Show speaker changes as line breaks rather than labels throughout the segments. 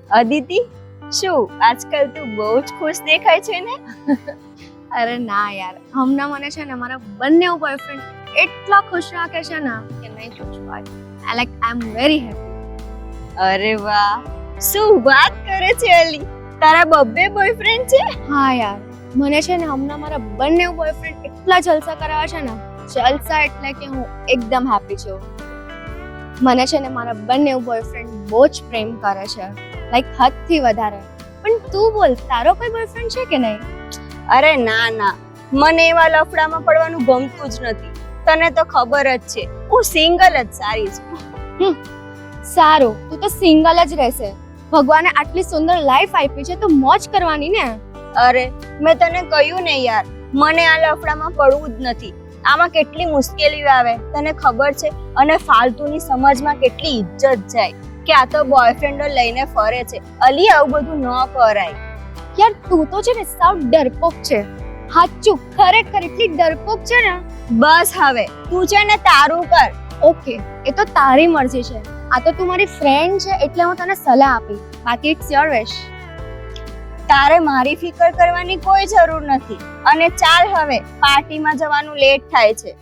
અદિતિ, શું આજકાલ તું બહુ જ ખુશ દેખાય છે ને?
અરે ના યાર, હમણાં મને છે ને મારા બંને બોયફ્રેન્ડ એટલા ખુશ રાખે છે ને કે નહીં પૂછવા. I am very happy.
અરે વાહ, શું વાત કરે છે અલી, તારા બબ્બે બોયફ્રેન્ડ છે?
હા યાર, મને છે ને હમણાં મારા બંને બોયફ્રેન્ડ એટલા જલસા કરાવે છે ને, જલસા એટલે કે હું એકદમ હેપી છું. મને છે ને મારા બંને બોયફ્રેન્ડ બહુ જ પ્રેમ કરે છે, હદથી વધારે. પણ તું બોલ, તારો કોઈ બોયફ્રેન્ડ છે કે નહીં?
અરે ના ના, મને એવા લફડામાં પડવાનું ગમતું જ નથી. તને તો ખબર જ છે, હું સિંગલ જ સારી છું.
સારું, તું તો સિંગલ જ રહેશે. ભગવાને આટલી સુંદર લાઈફ આપી છે તો મોજ કરવાની ને.
અરે મેં તને કહ્યું ને યાર, મને આ લફડામાં પડવું જ નથી. આમાં કેટલી મુશ્કેલીઓ આવે તને ખબર છે, અને ફાલતુની સમાજમાં કેટલી ઇજ્જત જાય કે આ તો બોયફ્રેન્ડો લઈને ફરે છે. અલી, આવું બધું ન કરાય
યાર. તું તો છે ને સાવ ડરપોક છે. હાચું, ખરેખર એટલી ડરપોક છે ને.
બસ હવે તું છે ને તારું કર.
ઓકે, એ તો તારી મરજી છે. આ તો તું મારી ફ્રેન્ડ છે એટલે હું તને સલાહ આપી, બાકી ઇટ્સ યોર વિશ.
તારે મારી ફિકર કરવાની કોઈ જરૂર નથી. અને ચાલ હવે, પાર્ટીમાં જવાનું લેટ થાય છે.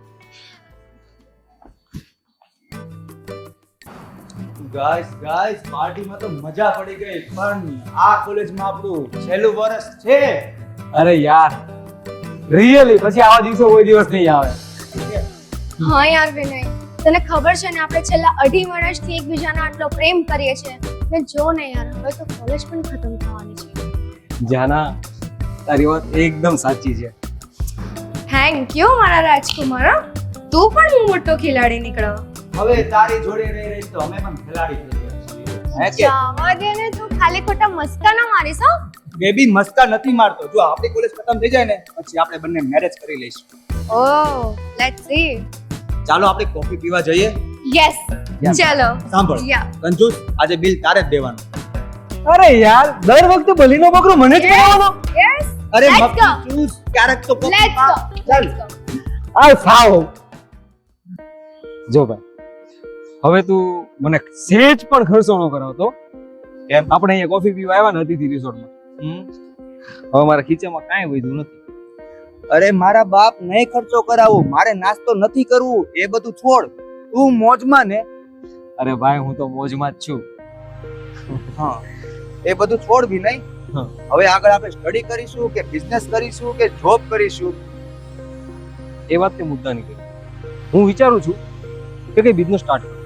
ગાઈસ પાર્ટીમાં તો મજા પડી ગઈ, પણ આ કોલેજમાં આપણું છેલ્લું વર્ષ છે.
અરે યાર, રિયલી પછી આવા દિવસો કોઈ દિવસ નહીં આવે.
હા યાર વિનય, તને ખબર છે ને આપણે છેલ્લા 2.5 વર્ષથી એકબીજાનો આટલો પ્રેમ કરીએ છીએ ને. જો ને યાર, હવે તો કોલેજ પણ ખતમ થવાની છે.
જાના, તારી વાત એકદમ સાચી છે.
થેન્ક યુ મારા રાજકુમાર. તું પણ મોટો ખેલાડી નીકળ્યો.
હવે તારી જોડે રહી રહી તો અમે પણ ખેલાડી થઈ ગયા છીએ. હે કે
જાવા દે ને, તું ખાલી ખોટા મસ્કા ના મારીશ. હો,
બેબી, મસ્કા નથી મારતો. જો આપણી કોલેજ ખતમ થઈ જાય ને પછી આપણે બંને મેરેજ કરી લઈશું.
Oh let's see.
ચાલો આપણે કોફી પીવા જઈએ.
યસ, ચલો.
સાંભળ
યા,
કંજૂસ, આજે બિલ તારે જ દેવાનું.
અરે યાર, દર વખતે બલીનો બકરો મને જ કરાવવાનો.
યસ,
અરે
Let's
મક્કી
go.
ચૂસ, ક્યારેક તો કોફી
લેટ્સ
પા.
ગો.
ચાલ.
આ સાવ. જો ભાઈ, હવે તું મને સેજ પણ ખર્ચો ન કરાવતો.
કેમ?
આપણે અહીંયા કોફી પીવા આવ્યા ને અતિથિ રિસોર્ટમાં. હવે મારા ખીચામાં કાંઈ વધ્યું નથી.
અરે મારા બાપ, નહીં ખર્ચો કરાવું, મારે નાસ્તો નથી કરવું, એ બધું છોડ. તું મોજમાં ને.
અરે ભાઈ, હું તો મોજમાં જ છું.
હા, એ બધું છોડ બી નહીં.
હા.
હવે આગળ આપણે સ્ટડી કરીશું કે બિઝનેસ કરીશું કે જોબ કરીશું?
એ વાત તે મુદ્દાની કરી. હું વિચારું છું કે કઈ બિઝનેસ સ્ટાર્ટ કરું,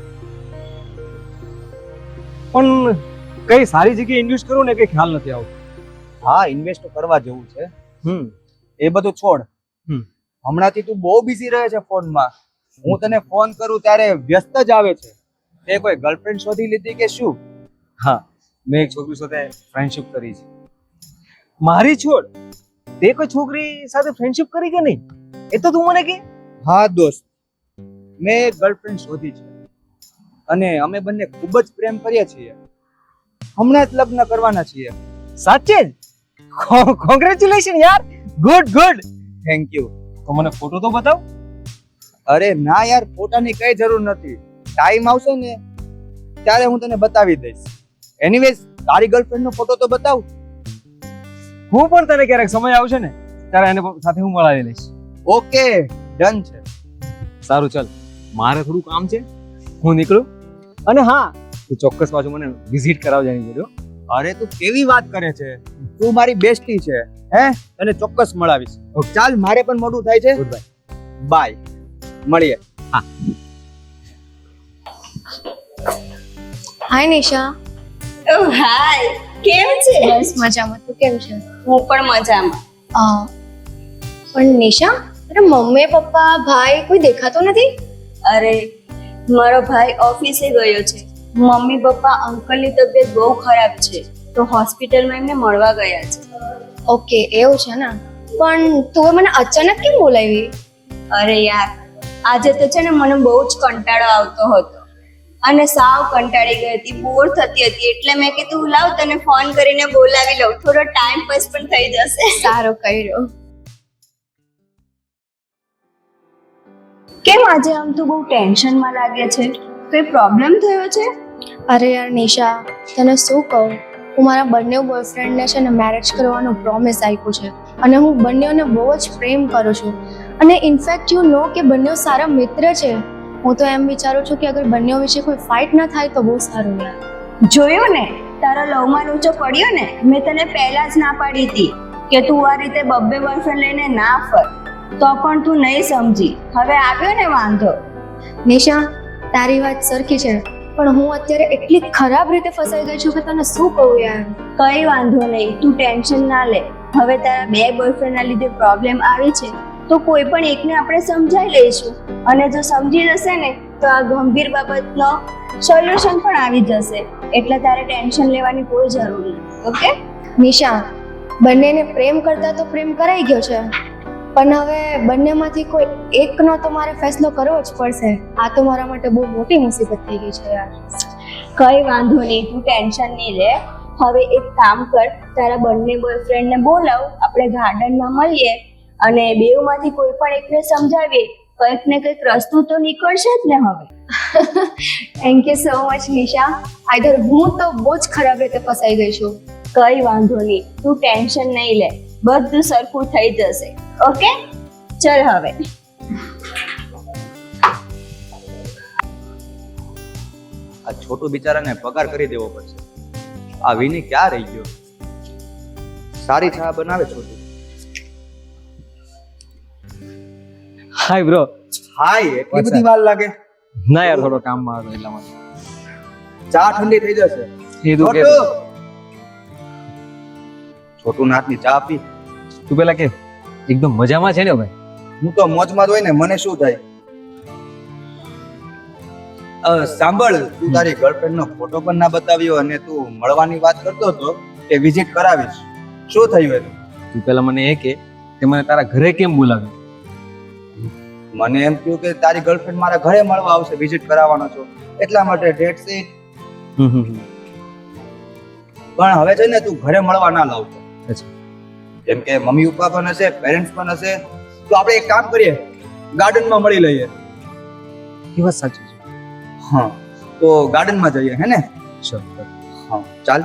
પણ કઈ સારી જગ્યાએ ઇન્વેસ્ટ કરું ને કઈ ખ્યાલ નથી આવતો.
હા, ઇન્વેસ્ટ કરવા જેવું છે. એ બધું છોડ. હમણાંથી તું બહુ બિઝી રહે છે ફોનમાં. હું તને ફોન કરું ત્યારે વ્યસ્ત જ આવે છે. તે કોઈ ગર્લફ્રેન્ડ શોધી લીધી કે શું?
હા, મેં એક છોકરી સાથે ફ્રેન્ડશિપ કરી છે. મારી છોડ, તે કોઈ છોકરી સાથે ફ્રેન્ડશિપ કરી કે નહીં એ તો તું મને કે.
હા દોસ્ત, મેં એક ગર્લફ્રેન્ડ શોધી છે અને અમે બંને ખૂબ જ પ્રેમ કરીએ છીએ. હમણાં જ લગ્ન કરવાના છીએ.
સાચે જ? કોંગ્રેચ્યુલેશન યાર, ગુડ ગુડ.
Thank you.
તો મને ફોટો તો બતાવ.
અરે ના યાર, ફોટાની કઈ જરૂર નથી. ટાઈમ આવશે ને ત્યારે હું તને બતાવી દઈશ. એનીવેઝ, તારી ગર્લફ્રેન્ડ નો ફોટો તો બતાવ.
હું પણ તને ક્યારેક સમય આવશે ને ત્યારે એને સાથે હું મળાવી લઈશ.
ઓકે, ડન છે.
સારું, ચાલ, મારે થોડું કામ છે, હું નીકળું. અને હા, તું ચોક્કસ પાછું મને વિઝિટ કરાવજે એની જોડે.
અરે તું કેવી વાત કરે છે? તું મારી બેસ્ટી છે. હે, તને ચોક્કસ મળાવીશ. ચાલ, મારે પણ મોડું થાય છે.
Good bye.
બાય, મળીએ.
હા.
હાય નિશા.
ઓ હાય, કેમ છે?
બસ મજામાં. તું કેમ છે?
હું પણ મજામાં.
પણ નિશા, અરે મમ્મી પપ્પા ભાઈ કોઈ દેખાતો નથી.
અરે, મારો ભાઈ ઓફિસે ગયો છે. મમ્મી પપ્પા અંકલની તબિયત બહુ ખરાબ છે તો હોસ્પિટલમાં એમને મળવા ગયા છે.
ઓકે, એવું છે ને. પણ તું મને અચાનક કેમ બોલાવી?
અરે યાર, આજે તો છે ને મને બહુ જ કંટાળો આવતો હતો અને સાવ કંટાળી ગઈ હતી, બોર થતી હતી, એટલે મેં કીધું લાવ તને ફોન કરીને બોલાવી લઉં, થોડો ટાઈમ પાસ પણ થઈ જશે.
સારો કર્યો.
કેમ આજે આમ તું બહુ ટેન્શનમાં લાગે છે? કોઈ પ્રોબ્લેમ થયો છે?
અરે યાર નિશા, તને શું કહું, હું મારા બંને બોયફ્રેન્ડને છે ને મેરેજ કરવાનો પ્રોમિસ આપ્યું છે અને હું બંનેઓને બહુ જ પ્રેમ કરું છું. અને ઇનફેક્ટ યુ નો કે બંનેઓ સારા મિત્ર છે. હું તો એમ વિચારું છું કે અગર બંનેઓ વિશે કોઈ ફાઇટ ના થાય તો બહુ સારું યાર.
જોયું ને, તારા લવમાં લૂચો પડ્યો ને. મેં તને પહેલા જ ના પાડી હતી કે તું આ રીતે બબ્બે બોયફ્રેન્ડ લઈને ના ફર, તો પણ તું નહીં સમજી. હવે આવ્યો ને વાંધો.
નિશા, તારી વાત સરખી છે, પણ હું અત્યારે એટલી ખરાબ રીતે ફસાઈ ગઈ છું કે તને શું કહું યાર.
કઈ વાંધો નહીં, તું ટેન્શન ના લે. હવે તારા બે બોયફ્રેન્ડના લીધે પ્રોબ્લેમ આવી છે તો કોઈ પણ એકને આપણે સમજાવી લઈશું, અને જો સમજી જશે ને તો આ ગંભીર બાબતનો સોલ્યુશન પણ આવી જશે. એટલે તારે ટેન્શન લેવાની કોઈ જરૂર નથી. ઓકે
નિશા, બંનેને પ્રેમ કરતા તો પ્રેમ કરાઈ ગયો છે, પણ હવે બંનેમાંથી કોઈ એકનો તો મારે ફેસલો કરવો જ પડશે. આ તો મારા માટે બહુ મોટી મુસીબત થઈ ગઈ છે યાર.
કઈ વાંધો નહીં, તું ટેન્શન નહીં લે. હવે એક કામ કર, તારા બંને બોયફ્રેન્ડને બોલાવ, આપણે ગાર્ડનમાં મળીએ અને બેઉમાંથી કોઈ પણ એકને સમજાવીએ. કંઈક ને કંઈક રસ્તો તો નીકળશે જ ને. હવે
thank you so much Nisha. Either હું તો બહુ જ ખરાબ રીતે ફસાઈ ગઈ છું.
કઈ વાંધો નહીં, તું ટેન્શન નહીં લે, બધું સરખું થઈ જશે. ઓકે, ચલ હવે.
આ છોટું બિચારાને પગાર કરી દેવો પડશે. આ વિની ક્યાં રહી ગયો? સારી ચા બનાવે છોટું.
હાય બ્રો.
હાય, એટલી બધી વાર લાગે?
ના યાર, થોડો કામમાં હતો એટલા માટે.
ચા ઠંડી થઈ જશે.
એ તું કે
છોટું નાથની ચા પી.
તું પેલા કે એકદમ મજામાં છે ને ભાઈ?
હું તો મોજમાં જ હોય ને, મને શું થાય? સાંભળ, તું તારી ગર્લફ્રેન્ડ નો ફોટો પણ ના બતાવ્યો અને તું મળવાની વાત કરતો હતો કે વિઝિટ કરાવીશ. શું થયું એનું?
તું પેલા મને એ કે મને તારા ઘરે કેમ બોલાવ્યો?
મને એમ થયું કે તારી ગર્લફ્રેન્ડ મારા ઘરે મળવા આવશે, વિઝિટ કરાવવાનો છો એટલા માટે. That's it. પણ હવે છે ને તું ઘરે મળવા ના લાવતો. જેમ કે મમ્મી પપ્પા પણ હશે, પેરેન્ટ્સ પણ હશે, તો આપણે એક કામ કરીએ, ગાર્ડનમાં મળી લઈએ.
એ વાત સાચી છે.
હા, તો ગાર્ડનમાં જઈએ, હે ને?
ચલ.
હા, ચાલ.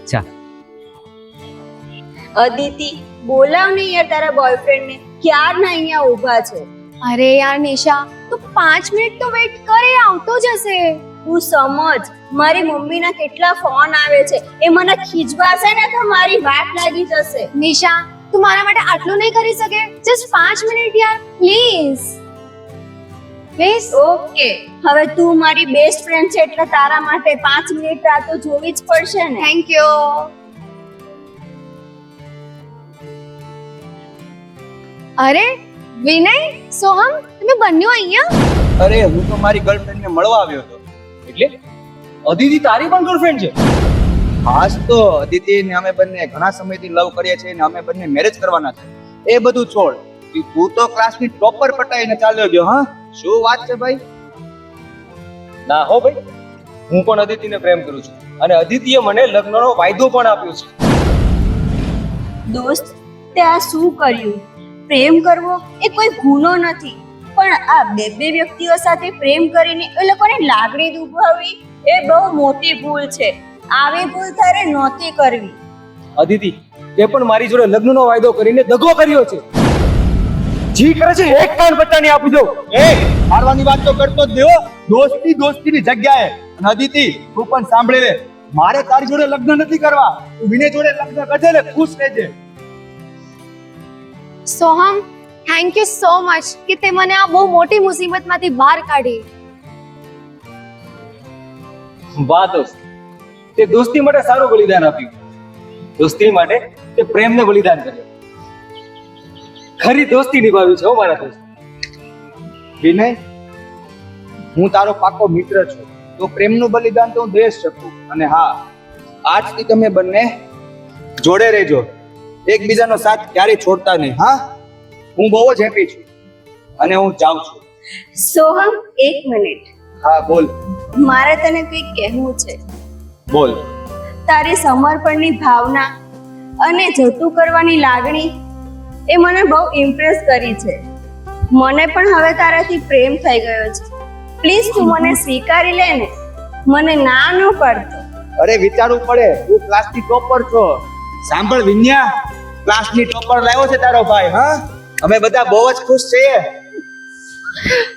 અદિતિ, બોલાવ ને યાર તારા બોયફ્રેન્ડને. ક્યારના અહીંયા ઊભા છે.
અરે યાર નિશા, તું 5 મિનિટ તો વેઇટ કરે, આવતો જ હશે.
તું સમજ, મારી મમ્મીના કેટલા ફોન આવે છે, એ મને ખીજવાશે ને તો મારી વાત લાગી જશે.
નિશા, તું મારા માટે આટલું નહીં કરી શકે? જસ્ટ 5 મિનિટ યાર, પ્લીઝ પ્લીઝ.
ઓકે, હવે તું મારી બેસ્ટ ફ્રેન્ડ છે એટલે તારા માટે 5 મિનિટ રાહ તો જોવી જ પડશે ને.
Thank you. અરે વિનય, સોહમ, તમે બંને અહીંયા?
અરે, હું તો મારી ગર્લફ્રેન્ડ ને મળવા આવ્યો હતો.
એટલે અદિતિ તારી પણ ગર્લફ્રેન્ડ છે?
ખાસ તો અદિતિ ને અમે બંને ઘણા સમયથી લવ કરીએ છીએ ને અમે બંને મેરેજ કરવાના છે. એ બધું છોડ, તું તો ક્લાસની ટોપર પટાઈને ચાલ્યો ગયો. હા, શું વાત છે ભાઈ?
ના હો ભાઈ, હું પણ અદિતિને પ્રેમ કરું છું અને અદિતિએ મને લગ્નનો વાયદો પણ આપ્યો છે.
દોસ્ત, તે આ શું કર્યું? પ્રેમ કરવો એ કોઈ ગુનો નથી, પણ આ બે વ્યક્તિઓ સાથે પ્રેમ કરીને એ લોકોની લાગણી દુભાવવી એ બહુ મોટી ભૂલ છે. આવી ભૂલ તારે નહોતી કરવી.
અદિતિ, તે પણ મારી જોડે લગ્નનો વાયદો કરીને દગો કર્યો છે. જી કરે છે એક કાન બચ્ચાને આપી દો.
એ મારવાની વાત તો કરતો જ દેવો, દોસ્તી દોસ્તીની જગ્યાએ. અને અદિતિ, તું પણ સાંભળી લે, મારે તારી જોડે લગ્ન નથી કરવા. તું વિનય જોડે લગ્ન કરજે ને ખુશ રહેજે.
Soham, thank you so much કે તે મને આ બહુ મોટી મુસીબતમાંથી બહાર કાઢી.
વાહ દોસ્ત, તે દોસ્તી માટે સારું બલિદાન આપ્યું. દોસ્તી માટે તે પ્રેમને બલિદાન કર્યો. ખરી દોસ્તી નિભાવી છે હો મારા દોસ્ત.
વિનય, હું તારો પાકો મિત્ર છું, તો પ્રેમનું બલિદાન તો હું દઈ શકું. અને હા, આજથી તમે બંને જોડે રહેજો, એકબીજાનો સાથ ક્યારેય છોડતા નહીં. હા, હું બહુ જ હેપી છું અને હું જાઉં છું.
સોહમ, 1 મિનિટ.
હા, બોલ.
મારે તને કંઈક કહેવું છે.
બોલ.
તારી સમર્પણની ભાવના અને જતું કરવાની લાગણી એ મને બહુ ઇમ્પ્રેસ કરી છે. મને પણ હવે તારાથી પ્રેમ થઈ ગયો છે. પ્લીઝ તું મને સ્વીકારી લે ને. મને ના ન પડતો.
અરે વિચારવું પડે, તું ક્લાસની ટોપર છો. સાંભળ વિન્યા, ક્લાસની ટોપર લાવ્યો છે તારો ભાઈ. હા, અમે બધા બહુ જ ખુશ છીએ.